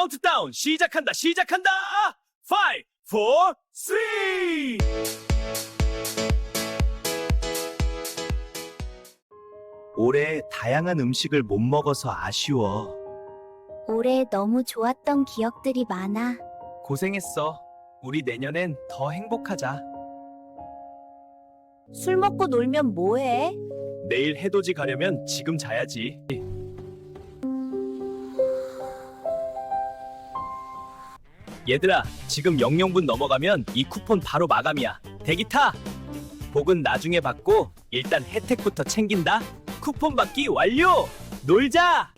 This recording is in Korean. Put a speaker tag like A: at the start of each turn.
A: 카운트다운 시작한다. 5, 4, 3. 올해 다양한 음식을 못 먹어서 아쉬워.
B: 올해 너무 좋았던 기억들이 많아.
A: 고생했어. 우리 내년엔 더 행복하자.
B: 술 먹고 놀면 뭐해?
A: 내일 해돋이 가려면 지금 자야지. 얘들아, 지금 00분 넘어가면 이 쿠폰 바로 마감이야. 대기 타! 복은 나중에 받고 일단 혜택부터 챙긴다. 쿠폰 받기 완료! 놀자!